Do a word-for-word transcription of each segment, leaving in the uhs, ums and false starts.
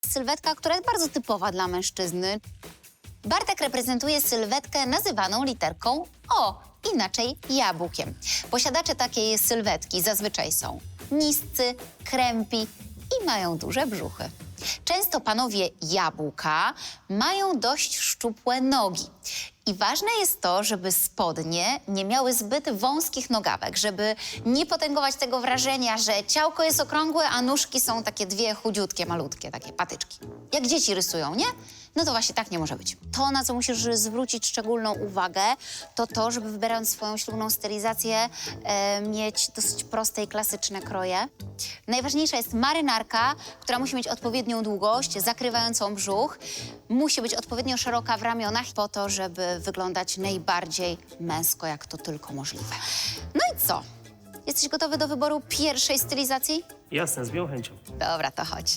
Sylwetka, która jest bardzo typowa dla mężczyzny. Bartek reprezentuje sylwetkę nazywaną literką O, inaczej jabłkiem. Posiadacze takiej sylwetki zazwyczaj są niscy, krępi i mają duże brzuchy. Często panowie jabłka mają dość szczupłe nogi. I ważne jest to, żeby spodnie nie miały zbyt wąskich nogawek, żeby nie potęgować tego wrażenia, że ciałko jest okrągłe, a nóżki są takie dwie chudziutkie, malutkie, takie patyczki. Jak dzieci rysują, nie? No to właśnie tak nie może być. To, na co musisz zwrócić szczególną uwagę, to to, żeby wybierając swoją ślubną stylizację, e, mieć dosyć proste i klasyczne kroje. Najważniejsza jest marynarka, która musi mieć odpowiednią długość, zakrywającą brzuch. Musi być odpowiednio szeroka w ramionach po to, żeby wyglądać najbardziej męsko, jak to tylko możliwe. No i co? Jesteś gotowy do wyboru pierwszej stylizacji? Jasne, z miłą chęcią. Dobra, to chodź.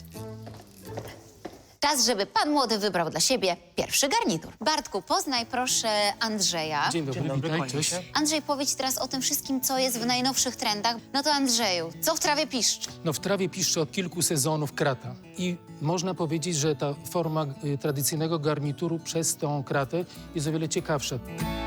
Czas, żeby pan młody wybrał dla siebie pierwszy garnitur. Bartku, poznaj proszę Andrzeja. Dzień dobry, Dzień dobry, witaj, kłaniam cześć. się. Andrzej, powiedz teraz o tym wszystkim, co jest w najnowszych trendach. No to Andrzeju, co w trawie piszczy? No w trawie piszczy od kilku sezonów krata i można powiedzieć, że ta forma y, tradycyjnego garnituru przez tą kratę jest o wiele ciekawsza.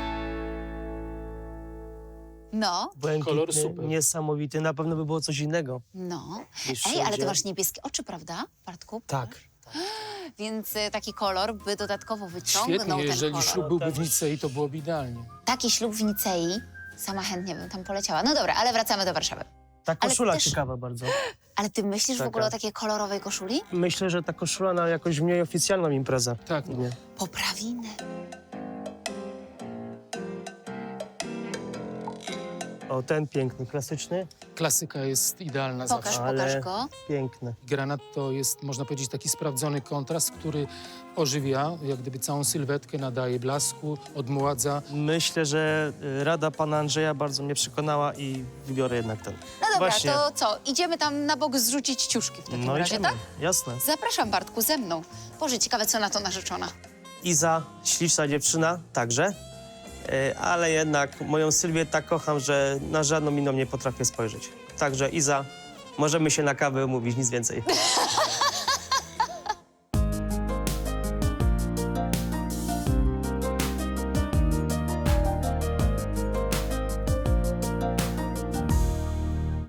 No, Błękitny, Kolor super. niesamowity. Na pewno by było coś innego. no. Niż Ej, ale ty wszędzie. masz niebieskie oczy, prawda, Bartku? Tak. Więc y, taki kolor by dodatkowo wyciągnął Świetnie, ten jeżeli kolor. ślub byłby w Nicei, to byłoby idealnie. Taki ślub w Nicei, sama chętnie bym tam poleciała. No dobra, ale wracamy do Warszawy. Ta Ale koszula też- ciekawa bardzo. Ale ty myślisz w Taka. ogóle o takiej kolorowej koszuli? Myślę, że ta koszula na jakąś mniej oficjalną imprezę. Tak, no. Nie. Poprawiny. O, ten piękny, klasyczny, Klasyka jest idealna Pokaż, zawsze. Ale- pokaż go. piękny. Granat to jest, można powiedzieć, taki sprawdzony kontrast, który ożywia, jak gdyby całą sylwetkę, nadaje blasku, odmładza. Myślę, że y, rada pana Andrzeja bardzo mnie przekonała i wybiorę jednak ten. No dobra, Właśnie. to co? Idziemy tam na bok zrzucić ciuszki w takim No razie, idziemy. tak? Jasne. Zapraszam, Bartku, ze mną. Boże, ciekawe, co na to narzeczona. Iza, śliczna dziewczyna, także. Y, ale jednak moją Sylwię tak kocham, że na żadną inną nie potrafię spojrzeć. Także Iza, możemy się na kawę umówić, nic więcej.